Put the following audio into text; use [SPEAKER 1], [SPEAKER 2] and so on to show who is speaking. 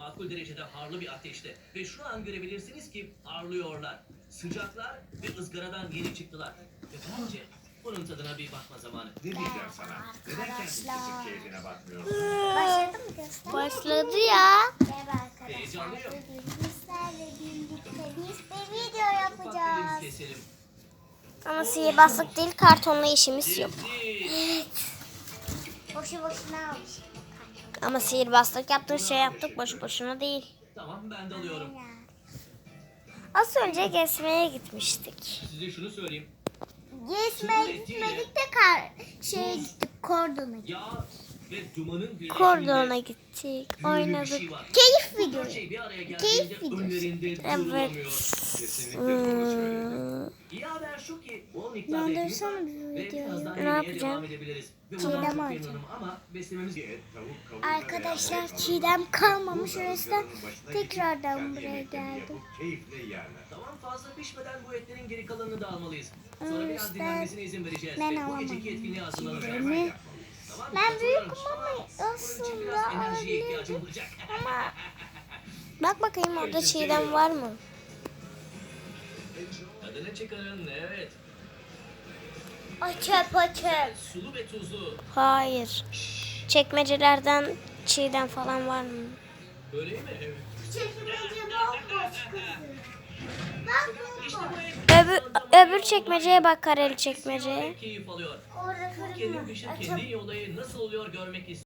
[SPEAKER 1] makul derecede harlı bir ateşte ve şu an görebilirsiniz ki parlıyorlar. Sıcaklar ve ızgaradan yeni çıktılar. Ve bence bunun tadına bir bakma zamanı.
[SPEAKER 2] Ne diyeceğim sana? Neden kendin kesip keyfine bakmıyorsun?
[SPEAKER 3] Başladı mı göster?
[SPEAKER 4] Başladı ya.
[SPEAKER 3] Merhaba arkadaşlar.
[SPEAKER 1] Heyecanlıyım.
[SPEAKER 3] Bugün sizlerle birlikte biz bir video
[SPEAKER 1] Ufak bir
[SPEAKER 3] yapacağız.
[SPEAKER 1] keselim.
[SPEAKER 4] Ama sihirbazlık değil, kartonla işimiz yok.
[SPEAKER 1] Dizi.
[SPEAKER 3] Boşu boşuna almış.
[SPEAKER 4] Ama sihirbazlık yaptık, şey yaptık, boşu boşuna değil.
[SPEAKER 1] Tamam ben de alıyorum.
[SPEAKER 4] Az önce gezmeye gitmiştik.
[SPEAKER 1] Size şunu söyleyeyim.
[SPEAKER 3] Gezmeye gitmedik de şeye gittik, Kordon'a gittik.
[SPEAKER 1] Yağ ve dumanın birleşiminde
[SPEAKER 4] Kordona gittik,
[SPEAKER 1] büyülü bir
[SPEAKER 4] oynadık.
[SPEAKER 1] şey var.
[SPEAKER 3] Keyif
[SPEAKER 1] Bu
[SPEAKER 3] videosu.
[SPEAKER 1] şey bir araya geldiğinde
[SPEAKER 3] Keyif videosu.
[SPEAKER 1] önlerinde
[SPEAKER 4] Evet.
[SPEAKER 1] durulamıyor.
[SPEAKER 2] Kesinlikle doğru söyledin.
[SPEAKER 1] İyi haber şu ki bol miktarda etimiz var
[SPEAKER 3] Döndürsene bir
[SPEAKER 1] ve
[SPEAKER 3] videoyu.
[SPEAKER 1] birazdan
[SPEAKER 4] Ne
[SPEAKER 1] yemeğe
[SPEAKER 4] yapacağım?
[SPEAKER 1] devam edebiliriz. Ve
[SPEAKER 3] Çiğdem
[SPEAKER 1] bundan çok
[SPEAKER 3] alacağım.
[SPEAKER 1] memnunum ama beslememiz
[SPEAKER 2] Et, tavuk, kavurma
[SPEAKER 3] Arkadaşlar,
[SPEAKER 2] veya balık
[SPEAKER 3] çiğdem
[SPEAKER 2] alın.
[SPEAKER 3] kalmamış,
[SPEAKER 2] Burada
[SPEAKER 3] o yüzden
[SPEAKER 2] ızgaranın başına
[SPEAKER 3] tekrardan
[SPEAKER 2] gidip kendi
[SPEAKER 3] buraya
[SPEAKER 2] yemeklerini
[SPEAKER 3] geldim.
[SPEAKER 2] yapıp keyifle yerler.
[SPEAKER 1] Tamam fazla pişmeden bu etlerin geri kalanını da almalıyız. Sonra
[SPEAKER 3] Ama
[SPEAKER 1] biraz
[SPEAKER 3] işte
[SPEAKER 1] dinlenmesine izin vereceğiz.
[SPEAKER 3] ben
[SPEAKER 1] Ve bu
[SPEAKER 3] alamadım.
[SPEAKER 1] geceki etkinliğe hazırlanacağız.
[SPEAKER 3] Çiğdemi.
[SPEAKER 2] Hemen yapmalıyız.
[SPEAKER 1] Tamam,
[SPEAKER 3] Ben büyüküm
[SPEAKER 1] katılıyorum.
[SPEAKER 3] ama
[SPEAKER 1] Bunun için biraz
[SPEAKER 3] aslında
[SPEAKER 1] enerjiye ihtiyacım olacak.
[SPEAKER 4] Ama bak bakayım orada çiğdem var mı?
[SPEAKER 1] Tadını çıkarın evet.
[SPEAKER 3] Açıp açıp.
[SPEAKER 1] Sulu ve tuzlu.
[SPEAKER 4] Hayır. Çekmecelerden çiğdem falan var mı?
[SPEAKER 1] Öyle mi? Evet.
[SPEAKER 3] Çekmece bomboş kızım. Bak
[SPEAKER 1] İşte
[SPEAKER 3] bomboş.
[SPEAKER 1] bu et.
[SPEAKER 4] Öbür çekmeceye bak, kareli çekmeceye.
[SPEAKER 1] Keyif alıyor.
[SPEAKER 3] Orada fırın
[SPEAKER 1] Kendim
[SPEAKER 3] var.
[SPEAKER 1] pişir
[SPEAKER 3] Açıp
[SPEAKER 1] kendi olayı nasıl oluyor görmek istiyorum.